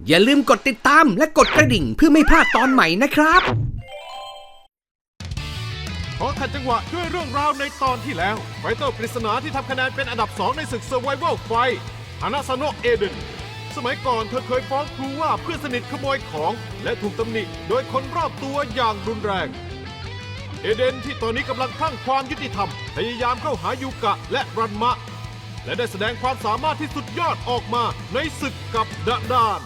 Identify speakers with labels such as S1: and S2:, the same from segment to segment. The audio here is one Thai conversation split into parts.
S1: อย่าลืมกดติดตามและกดกระดิ่งเพื่อไม่พลาดตอนใหม่นะครับ
S2: ขอขัดจังหวะด้วยเรื่องราวในตอนที่แล้วไฟเตอร์ปริศนาที่ทำคะแนนเป็นอันดับ 2 ในศึก Survival Fight ฮานาซาโนะเอเดนสมัยก่อนเธอเคยฟ้องครูว่าเพื่อนสนิทขโมยของและถูกตำหนิโดยคนรอบตัวอย่างรุนแรงเอเดนที่ตอนนี้กำลังคลั่งความยุติธรรมพยายามเข้าหายูกะและรันมะและได้แสดงความสามารถที่สุดยอดออกมาในศึกกับดะดาน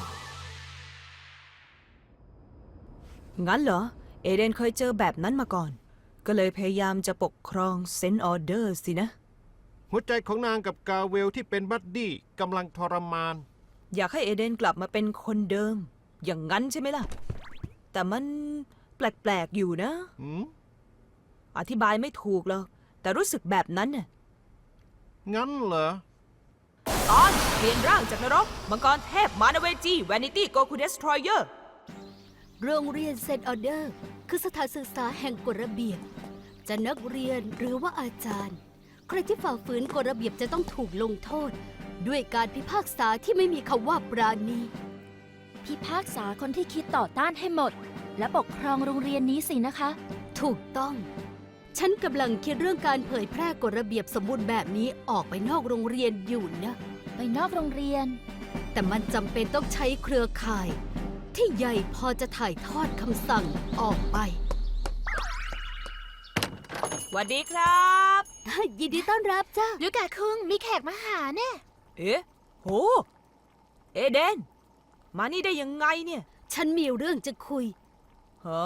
S3: งั้นเหรอเอเดนเคยเจอแบบนั้นมาก่อนก็เลยพยายามจะปกครองเซนต์ออเดอร์สินะ
S2: หัวใจของนางกับกาเวลที่เป็นบัดดี้กำลังทรมาน
S3: อยากให้เอเดนกลับมาเป็นคนเดิมอย่างนั้นใช่ไหมล่ะแต่มันแปลกๆอยู่นะอธิบายไม่ถูกหรอกแต่รู้สึกแบบนั้นน่ะ
S2: งั้นเหรอ
S3: ตอนเปลี่ยนร่างจากนรกมังกรเทพมานาเวจีแวนิตี้โกคูเดสทรอยเออร์
S4: โรงเรียนเซนต์ออเดอร์คือสถานศึกษาแห่งกฎระเบียบจะนักเรียนหรือว่าอาจารย์ใครที่ฝ่าฝืนกฎระเบียบจะต้องถูกลงโทษด้วยการพิพากษาที่ไม่มีคำว่าปราณี
S5: พิพากษาคนที่คิดต่อต้านให้หมดและปกครองโรงเรียนนี้สินะคะ
S4: ถูกต้องฉันกำลังคิดเรื่องการเผยแพร่กฎระเบียบสมบูรณ์แบบนี้ออกไปนอกโรงเรียนอยู่นะ
S5: ไปนอกโรงเรียน
S4: แต่มันจำเป็นต้องใช้เครือข่ายที่ใหญ่พอจะถ่ายทอดคำสั่งออกไป
S3: สวัสดีครับ
S4: ยินดีต้อนรับจ้า
S5: ลูกกะคุงมีแขกมาหาเนี่ย
S3: เอ๊ะโหเอเดนมานี่ได้ยังไงเนี่ย
S4: ฉันมีเรื่องจะคุย
S3: เหรอ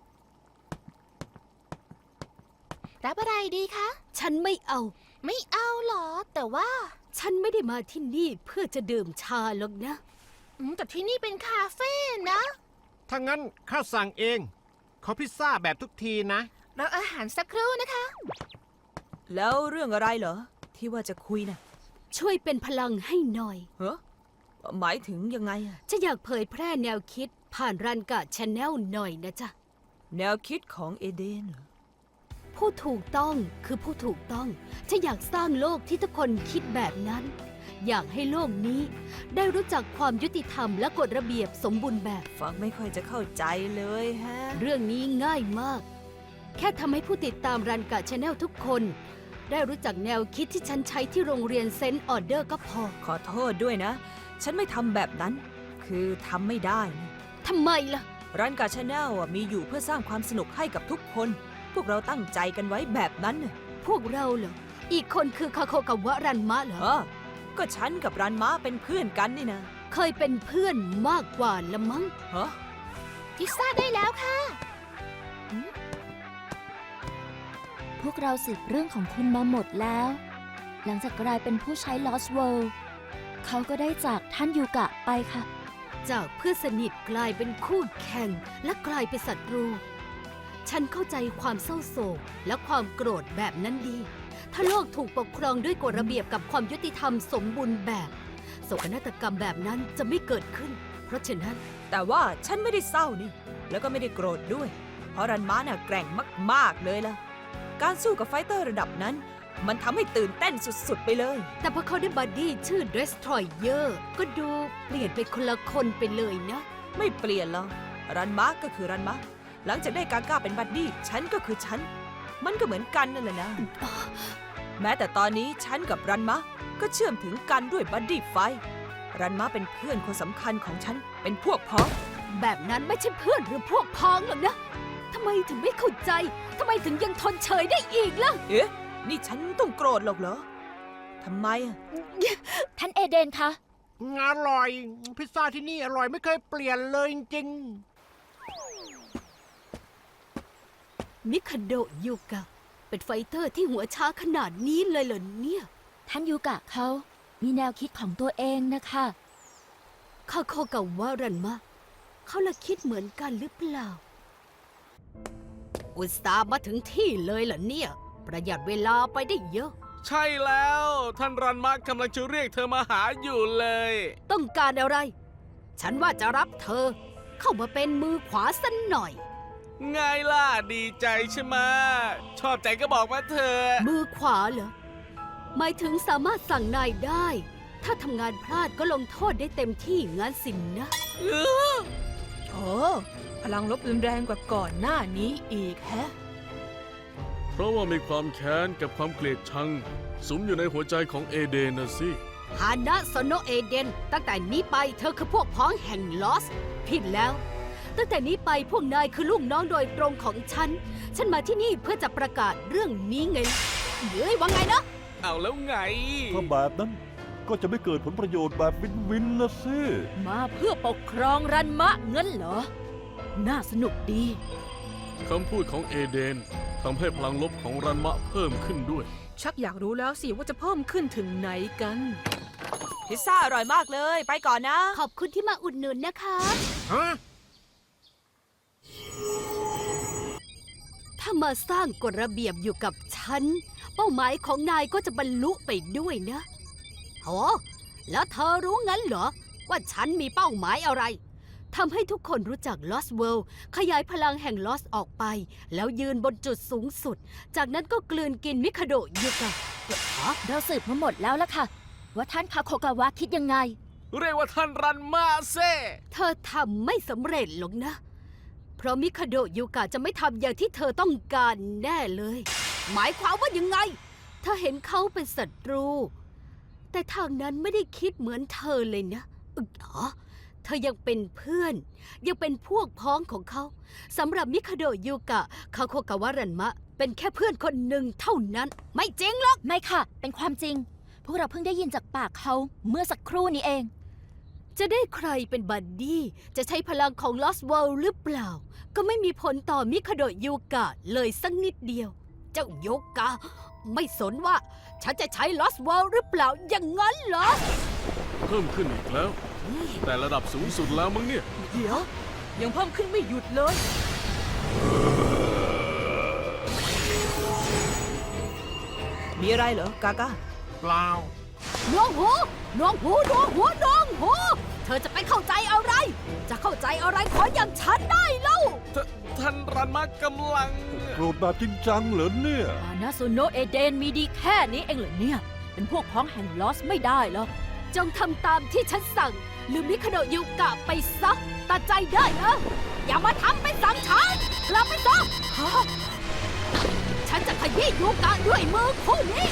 S5: รับอะไรดีคะ
S4: ฉันไม่เอา
S5: หรอแต่ว่า
S4: ฉันไม่ได้มาที่นี่เพื่อจะดื่มชาหรอกนะ
S5: แต่ที่นี่เป็นคาเฟ่นะ
S2: ถ้างั้นข้าสั่งเองขอพิซซ่าแบบทุกทีนะ
S5: รออาหารสักครู่นะคะ
S3: แล้วเรื่องอะไรเหรอที่ว่าจะคุยนะ
S4: ช่วยเป็นพลังให้หน่อย
S3: หมายถึงยังไง
S4: ฉันอยากเผยแพร่แนวคิดผ่านรันกะชาแนลหน่อยนะจ๊ะ
S3: แนวคิดของเอเดนเหรอ
S4: ผู้ถูกต้องคือผู้ถูกต้องฉันอยากสร้างโลกที่ทุกคนคิดแบบนั้นอยากให้โลกนี้ได้รู้จักความยุติธรรมและกฎระเบียบสมบูรณ์แบบ
S3: ฟังไม่ค่อยจะเข้าใจเลยฮะ
S4: เรื่องนี้ง่ายมากแค่ทำให้ผู้ติดตามรันกะชาแนลทุกคนได้รู้จักแนวคิดที่ฉันใช้ที่โรงเรียนเซนต์ออเดอร์ก็พอ
S3: ขอโทษด้วยนะฉันไม่ทำแบบนั้นคือทำไม่ได้
S4: ทำไมล่ะ
S3: รันกะชาแนลมีอยู่เพื่อสร้างความสนุกให้กับทุกคนพวกเราตั้งใจกันไว้แบบนั้น
S4: พวกเราเหรออีกคนคือคาโคกับวะรันมะเหรอ
S3: ก็ฉันกับรันมะเป็นเพื่อนกันนี่นะ
S4: เคยเป็นเพื่อนมากกว่าละมั้ง
S5: พิซซ่าได้แล้วค่ะพวกเราสืบเรื่องของคุณมาหมดแล้วหลังจากกลายเป็นผู้ใช้ Lost World เขาก็ได้จากท่านยูกะไปค่ะ
S4: จากเพื่อนสนิทกลายเป็นคู่แข่งและกลายเป็นศัตรูฉันเข้าใจความเศร้าโศกและความโกรธแบบนั้นดีถ้าโลกถูกปกครองด้วยกฎระเบียบกับความยุติธรรมสมบูรณ์แบบโศกนาฏกรรมแบบนั้นจะไม่เกิดขึ้นเพราะฉะนั้น
S3: แต่ว่าฉันไม่ได้เศร้านี่แล้วก็ไม่ได้โกรธด้วยเพราะรันมะน่ะแกร่งมากๆเลยล่ะการสู้กับไฟเตอร์ระดับนั้นมันทำให้ตื่นเต้นสุดๆไปเลย
S4: แต่พอเขาได้บัดดี้ชื่อ Destroyer ก็ดูเปลี่ยนไปคนละคนไปเลยนะ
S3: ไม่เปลี่ยนหรอกรันมะก็คือรันมะหลังจากได้กาก้าเป็นบัดดี้ฉันก็คือฉันมันก็เหมือนกันนั่นแหละนะแม้แต่ตอนนี้ฉันกับรันมะก็เชื่อมถึงกันด้วยบัดดี้ไฟรันมะเป็นเพื่อนคนสำคัญของฉันเป็นพวกพ้อง
S4: แบบนั้นไม่ใช่เพื่อนหรือพวกพ้องหรอกนะทำไมถึงไม่เข้าใจทำไมถึงยังทนเฉยได้อีกล่ะ
S3: เอ๊ะนี่ฉันต้องโกรธหรอกเหรอทำไม
S5: ท่านเอเดนคะ
S2: อร่อยพิซซ่าที่นี่อร่อยไม่เคยเปลี่ยนเลยจริง
S4: มิคาโดะยูกะเป็นไฟเตอร์ที่หัวช้าขนาดนี้เลยเหรอเนี่ย
S5: ท่านยูกะเขามีแนวคิดของตัวเองนะคะ
S4: คาโคกับวารันมะเขาละคิดเหมือนกันหรือเปล่าอุตส่าห์มาถึงที่เลยเหรอเนี่ยประหยัดเวลาไปได้เยอะ
S6: ใช่แล้วท่านรันมะกำลังจะเรียกเธอมาหาอยู่เลย
S4: ต้องการอะไรฉันว่าจะรับเธอเข้ามาเป็นมือขวาสักหน่อย
S6: ไงล่ะดีใจใช่ไหมชอบใจก็บอกมาเธอ
S4: มือขวาเหรอหมายถึงสามารถสั่งนายได้ถ้าทำงานพลาดก็ลงโทษได้เต็มที่งั้นสินนะ
S3: โอ้พลังลบรุนแรงกว่าก่อนหน้านี้อีกแฮะ
S6: เพราะว่ามีความแค้นกับความเกลียดชังสุมอยู่ในหัวใจของเอเดนนะสิ
S4: ฮานะโซโนเอเดนตั้งแต่นี้ไปเธอคือพวกพ้องแห่งลอสผิดแล้ว ตั้งแต่นี้ไปพวกนายคือลูกน้องโดยตรงของฉัน ฉันมาที่นี่เพื่อจะประกาศเรื่องนี้ไงเฮ้ยว่าไงนะ
S6: เอาแล้วไง
S7: ถ้าแบบนั้นก็จะไม่เกิดผลประโยชน์แบบวินนะสิ
S8: มาเพื่อปกครองรันมะเงินเหรอ น่าสนุกดี
S6: คำพูดของเอเดนทำให้พลังลบของรันมะเพิ่มขึ้นด้วย
S3: ชักอยากรู้แล้วสิว่าจะเพิ่มขึ้นถึงไหนกัน พิซซ่าอร่อยมากเลย ไปก่อนนะ
S4: ขอบคุณที่มาอุดหนุนนะคะ
S2: ฮะ
S4: ถ้ามาสร้างกฎระเบียบอยู่กับฉัน เป้าหมายของนายก็จะบรรลุไปด้วยนะโหแล้วเธอรู้งั้นเหรอ ว่าฉันมีเป้าหมายอะไรทำให้ทุกคนรู้จัก Lost World ขยายพลังแห่ง Lost ออกไป แล้วยืนบนจุดสูงสุด จากนั้นก็กลืนกินมิคาโดะยุกะ
S5: เราสืบมาหมดแล้วล่ะค่ะ ว่าท่านคาโคกาวะคิดยังไง
S6: เรียกว่าท่านรันมะเซ่
S4: เธอทำไม่สำเร็จหรอกนะ เพราะมิคาโดะยูกะจะไม่ทำอย่างที่เธอต้องการแน่เลย หมายความว่ายังไง เธอเห็นเขาเป็นศัตรู แต่ทางนั้นไม่ได้คิดเหมือนเธอเลยนะเหรอเธอยังเป็นเพื่อน ยังเป็นพวกพ้องของเขาสำหรับมิคาโดะยูกะคาโคกาวะรันมะ เป็นแค่เพื่อนคนหนึ่งเท่านั้น ไม่จริงหรอก
S5: ไม่ค่ะ เป็นความจริง พวกเราเพิ่งได้ยินจากปากเขาเมื่อสักครู่นี้เอง
S4: จะได้ใครเป็นบัดดี้จะใช้พลังของ Lost World หรือเปล่า ก็ไม่มีผลต่อมิคาโดะยูกะเลยสักนิดเดียว เจ้าโยกะ ไม่สนว่าฉันจะใช้ Lost World หรือเปล่าอย่างนั้นเหรอ
S6: เพิ่มขึ้นอีกแล้ว แต่ระดับสูงสุดแล้วมั้งเนี่ย
S3: เดี๋ยว ยังเพิ่มขึ้นไม่หยุดเลย มีอะไรเหรอกากา
S2: เปล่า
S4: น้องหูน้องหูน้องหูน้องหูเธอจะไปเข้าใจอะไร จะเข้าใจอะไรขออย่างฉันได้เล่า
S6: ท่านรันมะกำลัง
S7: โกรธแบบจริงจังเหรอเนี่ย
S8: อานาโซโนะเอเดนมีดีแค่นี้เองเหรอเนี่ย เป็นพวกพ้องแห่งลอสไม่ได้หรอก
S4: จงทำตามที่ฉันสั่งลืมมิคาโดะยูกะไปซะตัดใจได้นะอย่ามาทำเป็นสั่งฉันกลับไปซะฮะฉันจะขยี้ยูกะด้วยมือคู่นี้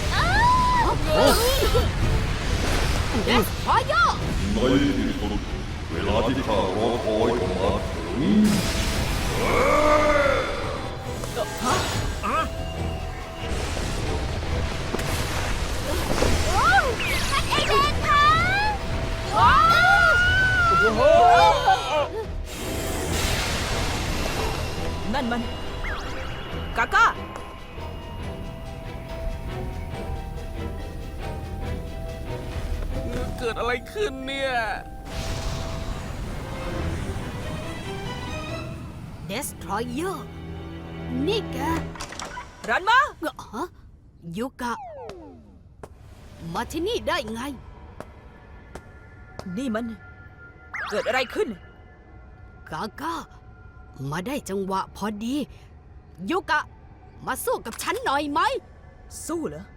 S4: เดสพอยเยอร์
S7: ในที่สุดเวลาที่ข้ารอคอยก็มาถึง
S4: เอเดนคะ
S3: นั่นมัน กากา
S6: เกิดอะไรขึ้นเนี่ย
S4: เดสทรอยเยอร์นี่แก
S3: รันมะ
S4: ฮะยูกะ มาที่นี่ได้ไง
S3: นี่มัน เกิดอะไรขึ้น
S4: กาก้า มาได้จังหวะพอดี ยูกะ มาสู้กับฉันหน่อยไหม
S3: สู้เหรอ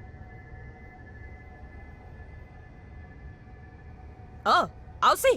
S3: เอาสิ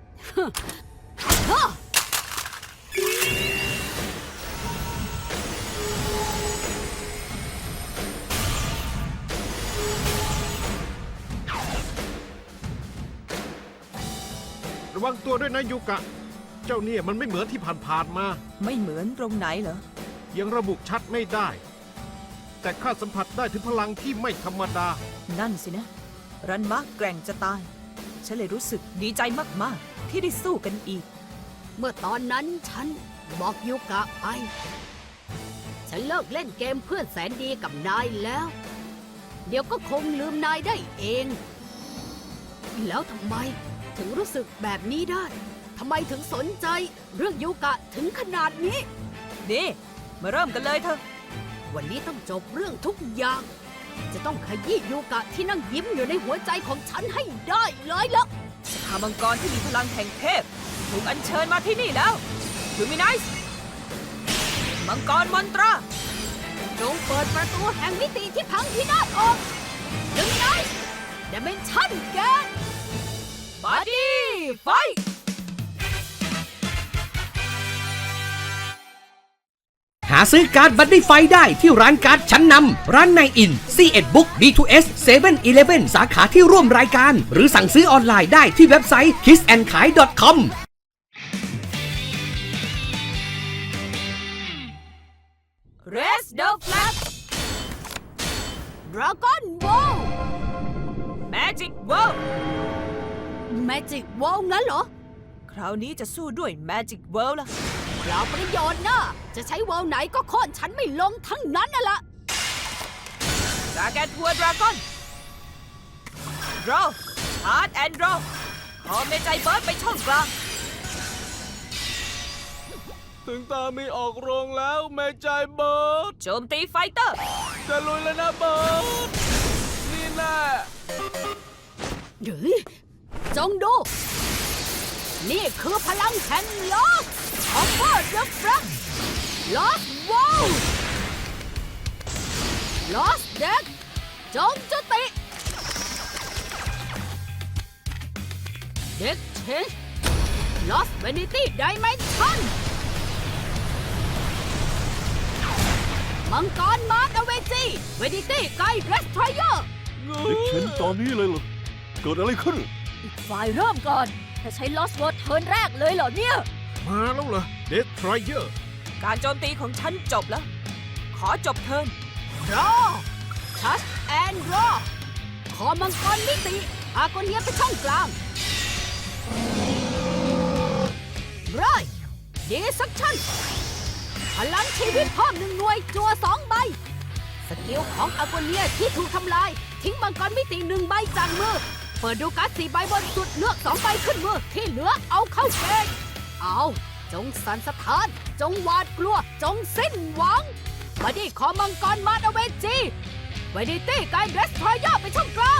S2: ระวังตัวด้วยนะยูกะ เจ้าเนี่ยมันไม่เหมือนที่ผ่านๆมา
S3: ไม่เหมือนตรงไหนเหรอ
S2: ยังระบุชัดไม่ได้ แต่ข้าสัมผัสได้ถึงพลังที่ไม่ธรรมดา
S3: นั่นสินะ รันมะแกร่งจะตาย ฉันเลยรู้สึกดีใจมากๆ ที่ได้สู้กันอีก
S4: เมื่อตอนนั้นฉันบอกยูกะไป ฉันเลิกเล่นเกมเพื่อนแสนดีกับนายแล้ว เดี๋ยวก็คงลืมนายได้เอง แล้วทำไมถึงรู้สึกแบบนี้ได้ ทำไมถึงสนใจเรื่องยูกะถึงขนาดนี้
S3: นี่ มาเริ่มกันเลยเถอะ
S4: วันนี้ต้องจบเรื่องทุกอย่าง จะต้องขยี้ยูกะที่นั่งยิ้มอยู่ในหัวใจของฉันให้ได้เลยละ
S3: สภามังกรที่มีพลังแห่งเทพถูกอัญเชิญมาที่นี่แล้วลูมินิสมังกรมอนตรา
S4: จงเปิดประตูแห่งมิติที่พังพินาศออกดึงไน Dimension แกน
S3: บัดดี้ไฟ
S1: หาซื้อการ์ดบัดดี้ไฟได้ที่ร้านการ์ดชั้นนำร้านในอิน C1 Book D2S 7-Eleven สาขาที่ร่วมรายการ หรือสั่งซื้อออนไลน์ได้ที่เว็บไซต์ kissandkai.com
S3: Raise the flag
S4: Dragon Ball
S3: Magic World
S4: Magic Ball งั้นเหรอ
S3: คราวนี้จะสู้ด้วย Magic World ล่ะ
S4: เปล่าประโยชน์นะจะใช้วอลไหนก็โค่นฉันไม่ลงทั้งนั้นน่ะละ
S3: ดราแกนทัวร์ดราก้อน Draw Charge and Draw ขอเมจัยเบิร์ดไปช่องกลาง
S6: ถึงตามีออกโรงแล้วแม่ใจเบิร์ด
S3: โจมตีไฟเตอร์
S6: จะลุยแล้วนะเบิร์ดนี่แน่
S4: หรือจงดู นี่คือพลังแห่งลอสของเบิร์ดเดอะฟรักลอสวอลลอสเด็กจงจุติเด็กเชนลอสเวนิตี้ไดเมนชั่นมังกรมาร์ดเวจีเวนิตี้ไกด์เรสทรอยเออร์
S7: เด็กเข็นตอนนี้เลยเหรอ เกิดอะไรขึ้น
S8: อีกฝ่ายเริ่มก่อนแต่ใช้ Lost World เทิร์นแรกเลยเหรอเนี่ย
S2: มาแล้วเหรอ Destroyer
S3: การโจมตีของฉันจบแล้ว ขอจบเทิร์น
S4: รอทัชแอนด์รอขอมังกรมิติอาโกเนียไปช่องกลางไรดีสักชั่นพลังชีวิตเพิ่ม1 หน่วยจัว2 ใบ สกิลของอาโกเนียที่ถูกทำลาย ทิ้งมังกรมิติ1 ใบจากมือ เปิดดูการ์ด4 ใบบนสุดเลือก2 ใบขึ้นมือ ที่เหลือเอาเข้าเกณฑ์เอาจงสั่นสะท้าน จงหวาดกลัว จงสิ้นหวังมาดิขอมังกรมาดเวจีเวนิตี้ไกด์เดสทรอยเออร์ไปช่องกลาง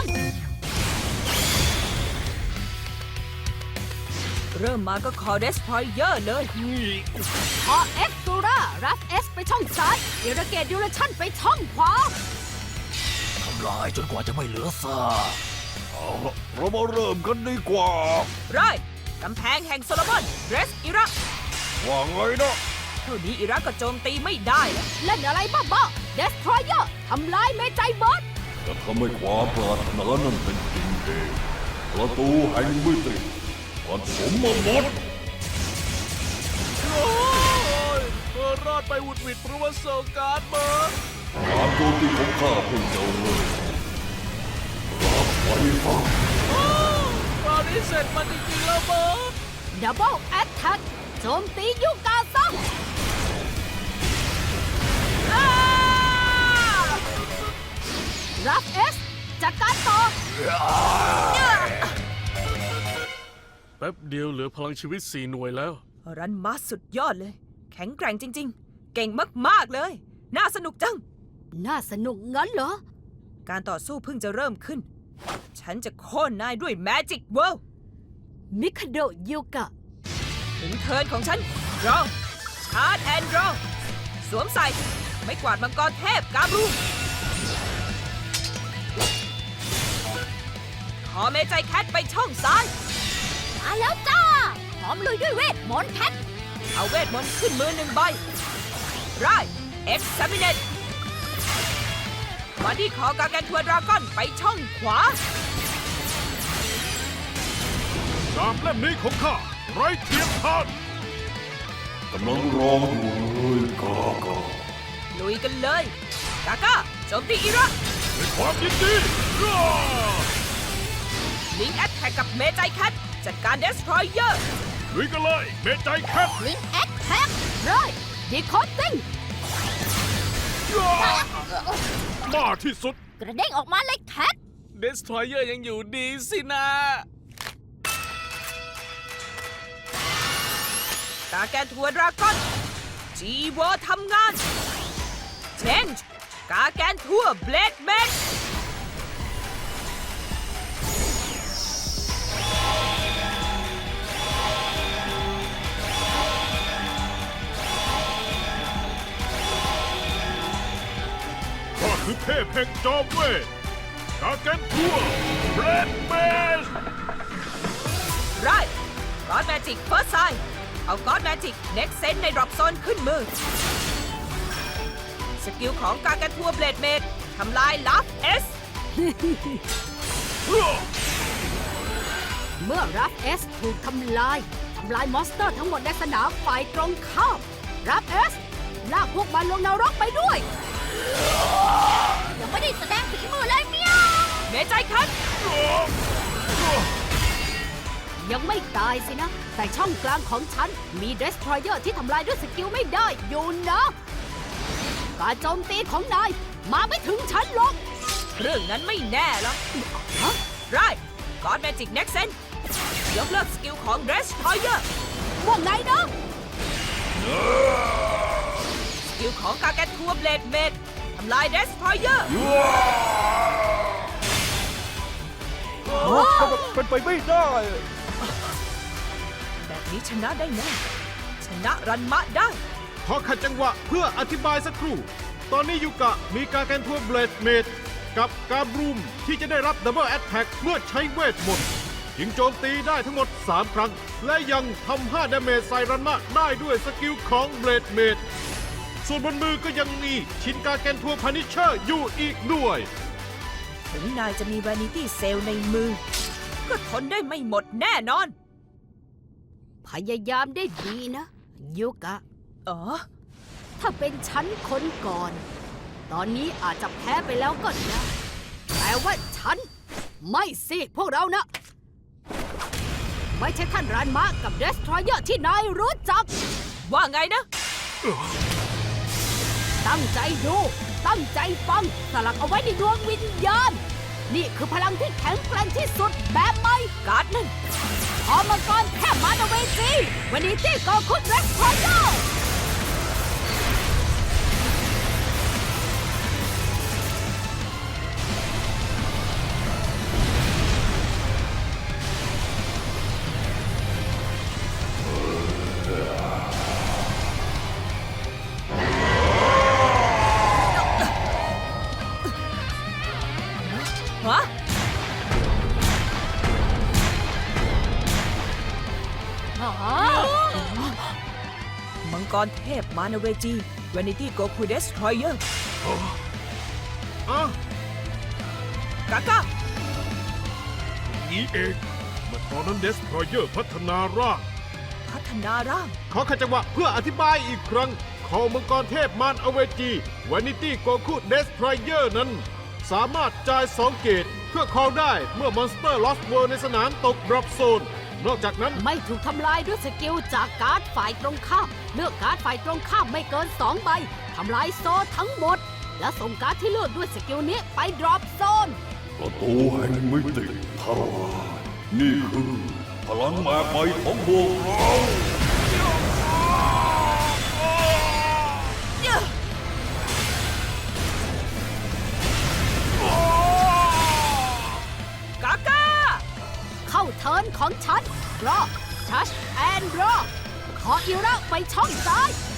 S3: เริ่มมาก็ขอ Destroyer เลย
S4: ขอเอ็กซ์ตูรารับเอสไปช่องซ้ายอิระเกตดิวเลชั่นไปช่องขวา
S7: ทำลายจนกว่าจะไม่เหลือซากเอาละเรามาเริ่มกันดีกว่า
S3: ไรกำแพงแห่งโซโลมอนเดรสอิรัก
S7: ว่าไงนะ
S3: เท่านี้อิรักก็โจมตีไม่ได้แล้ว
S4: เล่นอะไรบ้าๆเดสทรอยเออร์ทำลายเมจัยเบิร์ด
S7: จะทำให้ความปรารถนานั้นเป็นจริงเองประตูแห่งมิติผสมมาหมด
S6: โอ้ยเบิร์ดรอดไปหวุดหวิดเพราะว่าโซการ์ดเบิร์ด
S7: การโจมตีของข้าเพิ่งจะเริ่มรับไว้ฟัง
S6: ตอนนี้เสร็จมันจริงๆแล้วเบิร์ด
S4: ดับเบิลแอตแทกโจมตียูกาซังรับเอสจัดการต่อ
S6: แป๊บเดียวเหลือพลังชีวิต4 หน่วยแล้ว
S3: รันมาสุดยอดเลย แข็งแกร่งจริง ๆ เก่งมากๆเลย น่าสนุกจัง
S4: น่าสนุกงั้นเหรอ
S3: การต่อสู้เพิ่งจะเริ่มขึ้น ฉันจะโค่นนายด้วย Magic World
S4: มิคาโดยูกะ
S3: ถึงเทิร์นของฉัน Draw Charge and Draw สวมใส่ ไม่กวาดมังกรเทพกาบรูขอเมจัยแคทไปช่องซ้าย
S4: มาแล้วจ้าพร้อมลุยด้วยเวทมนต์แพท
S3: เอาเวทมนต์ขึ้นมือ1 ใบไร Exterminate มาที่ขอกาแกนทัวร์ดราก้อนไปช่องขวา
S2: ดาบเล่มนี้ของข้าไร้เทียมทาน
S7: กำลังรออยู่เลยกากา
S3: ลุยกันเลย กาก้าโจมตีอิรัก
S2: ด้วยความยินดีร่า
S3: ลิงแอตแทกกับเมจัยแคทจัดการ Destroyer
S2: ลุยกันเลยเมจัยแคท
S4: ลิงแอคแทกไรดีคอตติ้ง
S2: มาที่สุด
S8: กระเด้งออกมาเลยแคท
S6: Destroyer ยังอยู่ดีสินะ
S3: กาแกนทัวร์ดราก้อน G-Wo ทำงาน Change กาแกนทัวร์เบลดแมน
S2: ข้าคือเทพแห่งจอมเวทกาเกนทัวเบรดเมส
S3: ไรก็อดแมจิกเฟิร์สไซเอาก็อดแมจิกเน็กเซนในดรอปโซนขึ้นมือ สกิลของกากันทัวเบลดเมดทำลายลัฟเอส
S4: เมื่อรับเอสถูกทำลายมอนสเตอร์ทั้งหมดในสนามฝ่ายตรงข้ามรับเอสลากพวกมันลงนรกไปด้วย ยังไม่ได้แสดงฝีมือเลยเมียว
S3: เมใจคัน
S4: ยังไม่ตายสินะ แต่ช่องกลางของฉันมีเดสทรอยเออร์ที่ทำลายด้วยสกิลไม่ได้อยู่นะ การโจมตีของนายมาไม่ถึงฉันหรอก
S3: เรื่องนั้นไม่แน่หรอก
S4: ฮะ
S3: ไรก็อดแมจิกเน็กเซนยกเลิกสกิลของเดสทรอยเออร์
S4: ว่าไงนะ
S3: สกิลของกากันทัวเบลดเมดทำลายเดสทรอยเออร์
S7: เป็นไปไม่ได้
S3: แบบนี้ชนะได้แน่ชนะรันมะได้
S2: ขอขัดจังหวะเพื่ออธิบายสักครู่ ตอนนี้ยูกะมีการแกนทัวเบลดเมดกับการบรูมที่จะได้รับดับเบิลแอตแทกเมื่อใช้เวทมนต์ยิงโจมตีได้ทั้งหมด 3 ครั้ง และยังทำ5ดาเมจใส่รันมะได้ด้วยสกิลของเบลดเมดส่วนบนมือก็ยังมีชินการแกนทัวพานิชเชอร์อยู่อีกด้วย
S3: ถึงนายจะมีวานิตี้เซลในมือ ก็ทนได้ไม่หมดแน่นอน
S4: พยายามได้ดีนะยุกะ
S3: อ๋อ
S4: ถ้าเป็นฉันคนก่อน ตอนนี้อาจจะแพ้ไปแล้วก็ได้แต่ว่าฉันไม่สิพวกเรานะ ไม่ใช่ท่านรานมะกับเดสทรอยเออร์ที่นายรู้จัก
S3: ว่าไงนะ
S4: ตั้งใจดู ตั้งใจฟัง สลักเอาไว้ในดวงวิญญาณ นี่คือพลังที่แข็งแกร่งที่สุดแบบใหม่
S3: การ์ดนั่น
S4: พอมังกรแค่มานาเวจีวันนี้ที่กอคุดเดสทรอยเออร์
S3: ฮะ มังกรเทพมานาเวจีวานิตี้โกคูเดสทรอยเออร์
S2: อ่ะ
S3: กาก้า
S2: นี้เองเมื่อตอนนั้นเดสทรอยเออร์พัฒนาร่าง
S3: พัฒนาร่าง
S2: ขอขัดจังหวะเพื่ออธิบายอีกครั้งคอมังกรเทพมารอเวจีวานิตี้โกคุเดสทรอยเออร์นั้น สามารถจ่าย 2 เกตเพื่อคอลได้เมื่อมอนสเตอร์ลอสเวิร์ในสนามตกดรอปโซน นอกจากนั้น
S4: ไม่ถูกทำลายด้วยสกิลจากการ์ดฝ่ายตรงข้าม เลือกการ์ดฝ่ายตรงข้ามไม่เกิน 2 ใบ ทำลายโซนทั้งหมด และส่งการ์ดที่เลือกด้วยสกิลนี้ไปดรอปโซน
S7: ประตูแห่งมิติทลายนี่คือพลังแม่ใหม่ของพวกเรา
S3: กาก้า
S4: เข้าเทิร์นของฉันรอทัชแอนด์รอขออิระไปช่องซ้าย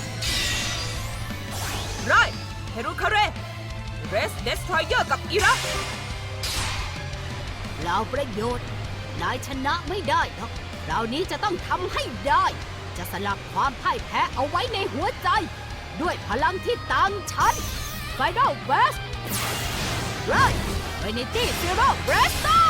S3: ไรเฮรุคาเรเรสเดสทรอยเออร์กับอิระ
S4: เราประโยชน์ นายชนะไม่ได้หรอกคราวนี้จะต้องทำให้ได้ จะสลักความพ่ายแพ้เอาไว้ในหัวใจ ด้วยพลังที่ต่างชั้น Final Burst Right Trinity Zero Blaster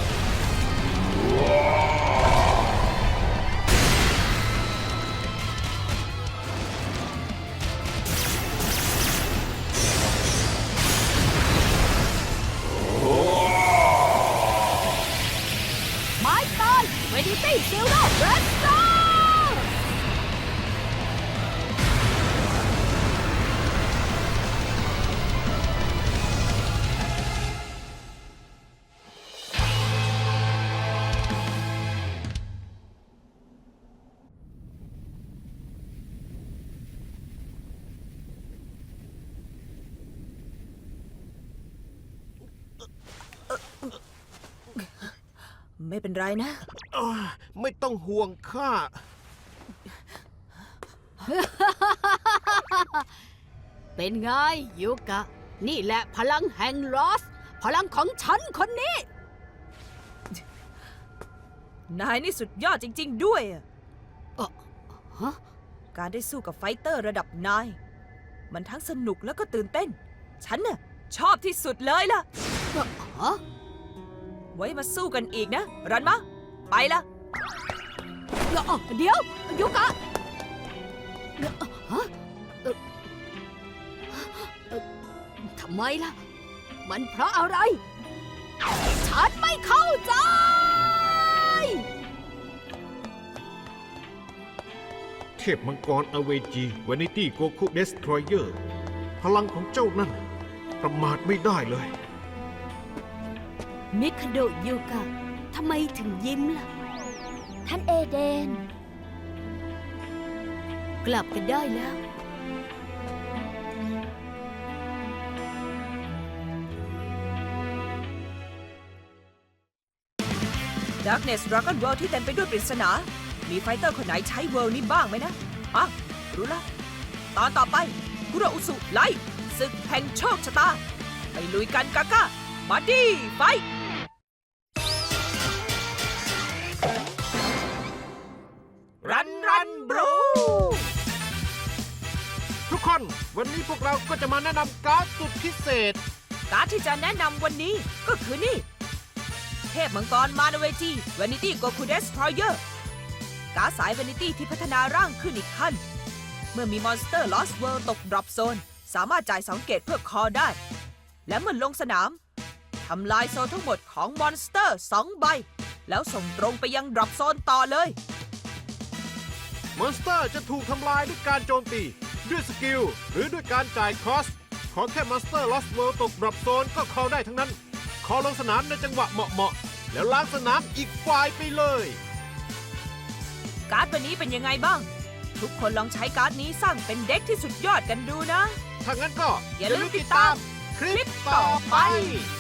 S4: ไม้ตาย Trinity Zero Blaster
S3: ไม่เป็นไรนะ
S2: ไม่ต้องห่วงข้า
S4: เป็นไงยูกะ นี่แหละพลังแห่งลอสพลังของฉันคนนี้
S3: นายนี่สุดยอดจริง ๆ ด้วยอะ
S4: ฮะ
S3: การได้สู้กับไฟเตอร์ระดับนาย มันทั้งสนุกแล้วก็ตื่นเต้น ฉันน่ะชอบที่สุดเลยล่ะ
S4: ฮะ
S3: ไว้มาสู้กันอีกนะ รันมะ ไปละ
S4: เดี๋ยวยูกะฮะทำไมล่ะ มันเพราะอะไร ฉันไม่เข้าใจ
S2: เทพมังกรอเวจีวานิตี้โกคุเดสทรอยเออร์พลังของเจ้านั่น ประมาทไม่ได้เลย
S4: มิคาโดะยูกะทำไมถึงยิ้มล่ะ
S5: ท่านเอเดน
S4: กลับกันได้แล้ว
S3: Darkness Dragon World ที่เต็มไปด้วยปริศนา มีไฟเตอร์คนไหนใช้เวิลด์นี้บ้างไหมนะอ่ะรู้ละ ตอนต่อไปคุโรอุสุไลท์ศึกแห่งโชคชะตา ไปลุยกันกาก้าบัดดี้ไฟท์รันบรู
S2: ทุกคนวันนี้พวกเราก็จะมาแนะนำการ์ดสุดพิเศษ
S3: การ์ดที่จะแนะนำวันนี้ก็คือนี่ เทพมังกรมานาเวจีวานิตี้โกคูเดสทรอยเออร์การ์ดสายวานิตี้ที่พัฒนาร่างขึ้นอีกขั้น เมื่อมีมอนสเตอร์ลอสเวิลด์ตกดรอปโซน สามารถจ่าย2 เกตเพื่อคอได้ และเมื่อลงสนามทำลายโซนทั้งหมดของมอนสเตอร์2 ใบ แล้วส่งตรงไปยังดรอปโซนต่อเลย
S2: มอนสเตอร์จะถูกทำลายด้วยการโจมตี ด้วยสกิล หรือด้วยการจ่ายคอส ขอแค่มอนสเตอร์ลอสเวิลด์ตกดรอปโซนก็คอได้ทั้งนั้น คอลงสนามในจังหวะเหมาะๆแล้วล้างสนามอีกฝ่ายไปเลย
S3: การ์ดวันนี้เป็นยังไงบ้าง ทุกคนลองใช้การ์ดนี้สร้างเป็นเด็กที่สุดยอดกันดูนะ
S2: ถ้างั้นก็
S3: อย่าลืมติดตาม
S2: คลิปต่อไป